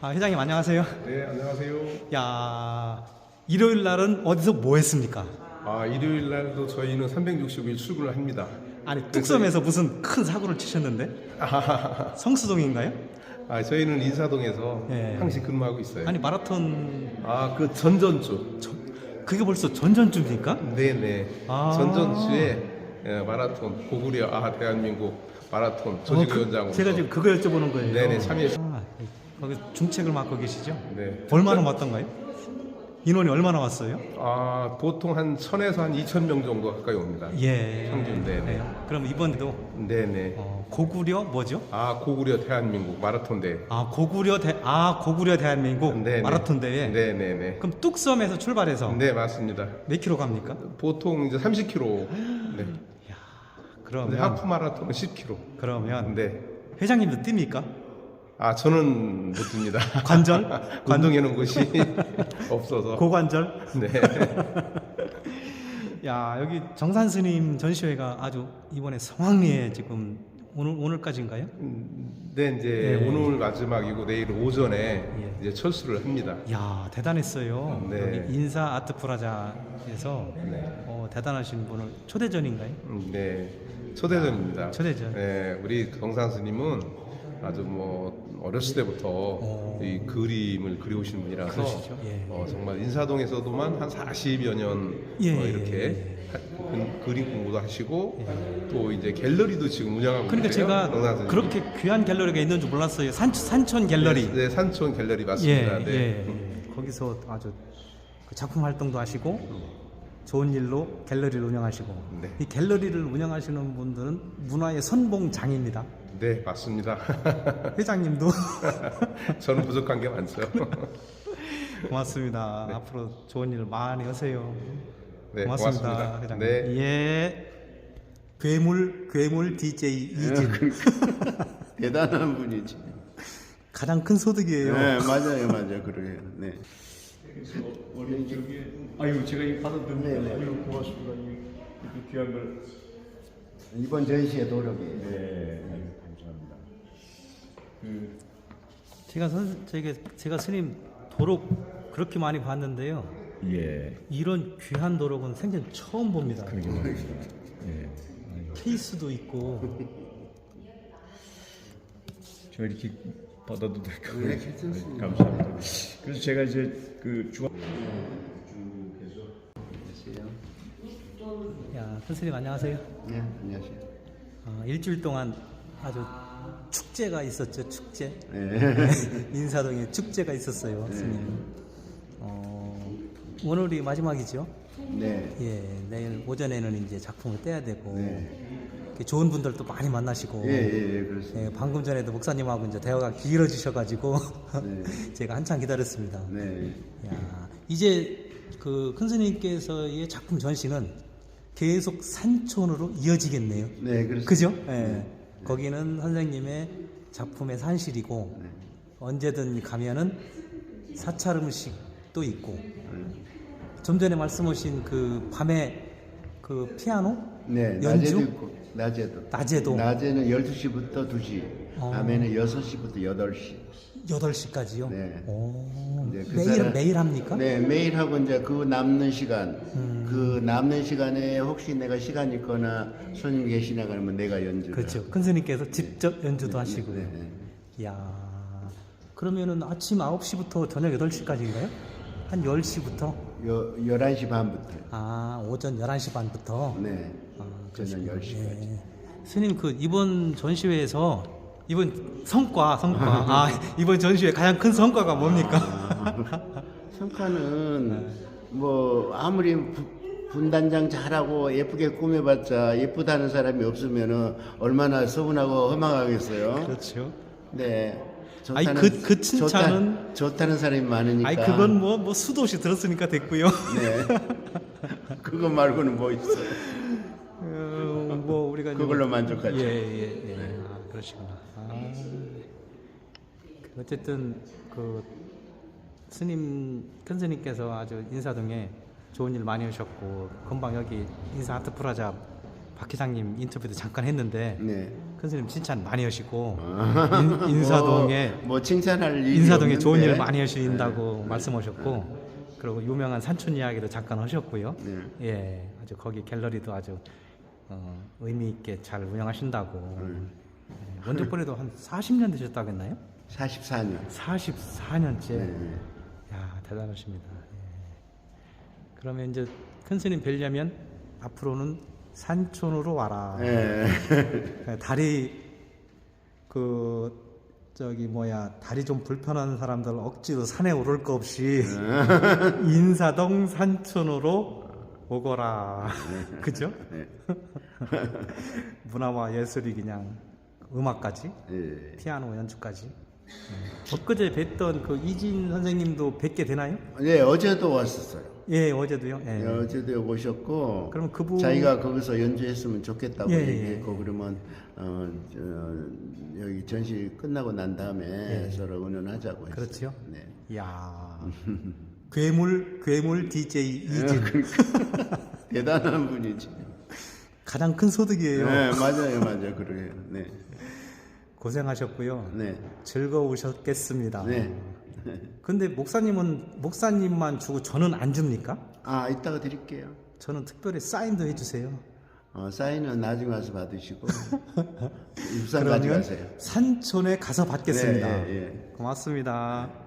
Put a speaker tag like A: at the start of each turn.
A: 회장님 안녕하세요.
B: 네, 안녕하세요.
A: 야, 일요일 날은 어디서 뭐 했습니까?
B: 일요일 날도 저희는 365일 출근을 합니다.
A: 아니, 뚝섬에서 무슨 큰 사고를 치셨는데? 성수동인가요?
B: 저희는 인사동에서
A: 예.
B: 항시 근무하고 있어요.
A: 아니, 마라톤,
B: 그 전전주.
A: 그게 벌써 전전주입니까?
B: 네네. 전전주에 마라톤 고구려 대한민국 마라톤 조직위원장으로.
A: 제가 지금 그거 여쭤보는 거예요.
B: 네네, 참여했.
A: 거기 중책을 맡고 계시죠?
B: 네.
A: 얼마나 왔던가요? 인원이 얼마나 왔어요?
B: 보통 한 1000에서 한 2000명 정도 가까이 옵니다.
A: 예.
B: 평균. 네네.
A: 네. 그럼 이번에도
B: 네네.
A: 고구려 뭐죠?
B: 고구려 대한민국 마라톤 대회.
A: 고구려 대한민국
B: 네네.
A: 마라톤 대회.
B: 네네네.
A: 그럼 뚝섬에서 출발해서
B: 네, 맞습니다.
A: 몇 킬로 갑니까?
B: 보통 이제 30km. 네.
A: 그러면
B: 하프 마라톤은 10km.
A: 그러면
B: 네.
A: 회장님도 뜁니까?
B: 저는 못 듭니다.
A: 관절?
B: 운동해놓은 곳이 없어서.
A: 고관절?
B: 네.
A: 야, 여기 정산 스님 전시회가 아주 이번에 성황리에 지금 오늘까지인가요?
B: 네, 이제
A: 네.
B: 오늘 마지막이고 내일 오전에
A: 예.
B: 이제 철수를 합니다.
A: 야, 대단했어요.
B: 네.
A: 여기 인사 아트 프라자에서
B: 네.
A: 대단하신 분을 초대전인가요?
B: 네. 초대전입니다.
A: 초대전.
B: 네, 우리 정산 스님은 아주 어렸을 때부터 이 그림을 그려오신 분이라서
A: 그러시죠? 예.
B: 정말 인사동에서도만 한 40여 년
A: 예,
B: 이렇게 그림 공부도 하시고 또 이제 갤러리도 지금 운영하고
A: 그러니까
B: 계세요.
A: 제가
B: 정산 스님이.
A: 그렇게 귀한 갤러리가 있는 줄 몰랐어요. 산촌 갤러리.
B: 네, 산촌 갤러리 맞습니다.
A: 예,
B: 네.
A: 예. 거기서 아주 그 작품 활동도 하시고 좋은 일로 갤러리를 운영하시고
B: 네.
A: 이 갤러리를 운영하시는 분들은 문화의 선봉장입니다.
B: 네, 맞습니다.
A: 회장님도
B: 저는 부족한 게 많죠.
A: 고맙습니다.
B: 네.
A: 앞으로 좋은 일 많이 하세요.
B: 네,
A: 고맙습니다.
B: 고맙습니다.
A: 회장님.
B: 네.
A: 예. 괴물 DJ 이진
C: 대단한 분이지.
A: 가장 큰 소득이에요.
C: 네, 맞아요, 그러게요. 네.
D: 우리 제가 이 받아들면
C: 네.
D: 아유 고맙습니다. 이렇게 귀한 걸.
C: 이번 전시의 노력이에요.
D: 네, 아유, 감사합니다.
A: 제가 스님 도록 그렇게 많이 봤는데요.
D: 예,
A: 이런 귀한 도록은 생전 처음 봅니다.
D: 그러게 말이죠. 예,
A: 케이스도 있고.
D: 저 이렇게 받아도 될까요?
C: 네, 괜찮습니다.
D: 감사합니다. 그래서 제가 이제 그 중앙
A: 야, 큰 스님 안녕하세요.
C: 네, 안녕하세요.
A: 일주일 동안 아주 축제가 있었죠. 축제.
C: 네.
A: 인사동에 축제가 있었어요. 스님. 오늘이 마지막이죠.
C: 네.
A: 예, 내일 오전에는 이제 작품을 떼야 되고
C: 네.
A: 이렇게 좋은 분들도 많이 만나시고.
C: 예, 그렇습니다.
A: 예, 방금 전에도 목사님하고 이제 대화가 길어지셔가지고
C: 네.
A: 제가 한참 기다렸습니다.
C: 네.
A: 야, 이제 그 큰 스님께서의 작품 전시는 계속 산촌으로 이어지겠네요.
C: 네, 그렇습니다.
A: 그죠? 예. 거기는 선생님의 작품의 산실이고
C: 네.
A: 언제든 가면은 사찰 음식도 있고
C: 네.
A: 좀 전에 말씀하신 그 밤에 그 피아노
C: 네,
A: 연주?
C: 낮에도 있고, 낮에도.
A: 낮에도?
C: 낮에는 12시부터 2시, 밤에는 6시부터 8시.
A: 8시까지요?
C: 네.
A: 오,
C: 네, 그 사람-
A: 매일 합니까?
C: 네, 매일 하고 이제 그 남는 시간, 그 남는 시간에 혹시 내가 시간 있거나 손님 계시나 그러면 내가 연주를.
A: 그렇죠. 큰 스님께서 직접 연주도 하시고요.
C: 네.
A: 이야, 그러면은 아침 9시부터 저녁 8시까지인가요? 한 10시부터?
C: 11시 반부터.
A: 오전 11시 반부터?
C: 네.
A: 그러시구나.
C: 저녁 10시까지.
A: 예. 스님, 이번 전시회에서 이번 성과 이번 전시회 가장 큰 성과가 뭡니까?
C: 성과는 뭐 아무리 분단장 잘하고 예쁘게 꾸며봤자 예쁘다는 사람이 없으면은 얼마나 서운하고 허망하겠어요.
A: 그렇죠.
C: 네.
A: 아니, 그 칭찬은-
C: 좋다는 사람이 많으니까.
A: 아니, 그건 뭐 수도 없이 들었으니까 됐고요.
C: 네. 그거 말고는 뭐 있어?
A: 뭐 우리가
C: 그걸로 만족하죠.
A: 예. 그러시구나. 어쨌든 그 스님 큰 스님께서 아주 인사동에 좋은 일 많이 하셨고 금방 여기 인사 아트 프라자 박 회장님 인터뷰도 잠깐 했는데
C: 네.
A: 큰 스님 칭찬 많이 하시고 인사동에
C: 뭐 칭찬할 일이
A: 인사동에 좋은
C: 없는데.
A: 일 많이 하신다고 말씀하셨고 그리고 유명한 산촌 이야기도 잠깐 하셨고요.
C: 네.
A: 예, 아주 거기 갤러리도 아주 의미 있게 잘 운영하신다고. 예, 원적벌이도 한 40년 되셨다고 했나요?
C: 44년.
A: 44년째.
C: 네.
A: 야, 대단하십니다. 예. 그러면 이제 큰 스님 뵈려면 앞으로는 산촌으로 와라.
C: 예.
A: 다리 다리 좀 불편한 사람들 억지로 산에 오를 거 없이 인사동 산촌으로 오거라. 그죠?
C: 네.
A: 문화와 예술이 그냥 음악까지
C: 예.
A: 피아노 연주까지. 엊그제 뵀던 그 이진 선생님도 뵙게 되나요?
C: 네, 어제도 왔었어요.
A: 예, 어제도요. 예.
C: 네, 어제도 오셨고,
A: 그럼 그분-
C: 자기가 거기서 연주했으면 좋겠다고
A: 예, 예,
C: 얘기했고, 그러면 여기 전시 끝나고 난 다음에 서로 의논하자고 했어요.
A: 예. 그렇지요?
C: 네.
A: 이야. 괴물 DJ 이진.
C: 대단한 분이지.
A: 가장 큰 소득이에요.
C: 네, 맞아요, 그래요. 네,
A: 고생하셨고요.
C: 네,
A: 즐거우셨겠습니다.
C: 네.
A: 근데 목사님만 주고 저는 안 줍니까?
C: 아, 이따가 드릴게요.
A: 저는 특별히 사인도 해주세요.
C: 사인은 나중에 와서 받으시고 입상 가져가세요.
A: 산촌에 가서 받겠습니다.
C: 네, 예, 예.
A: 고맙습니다.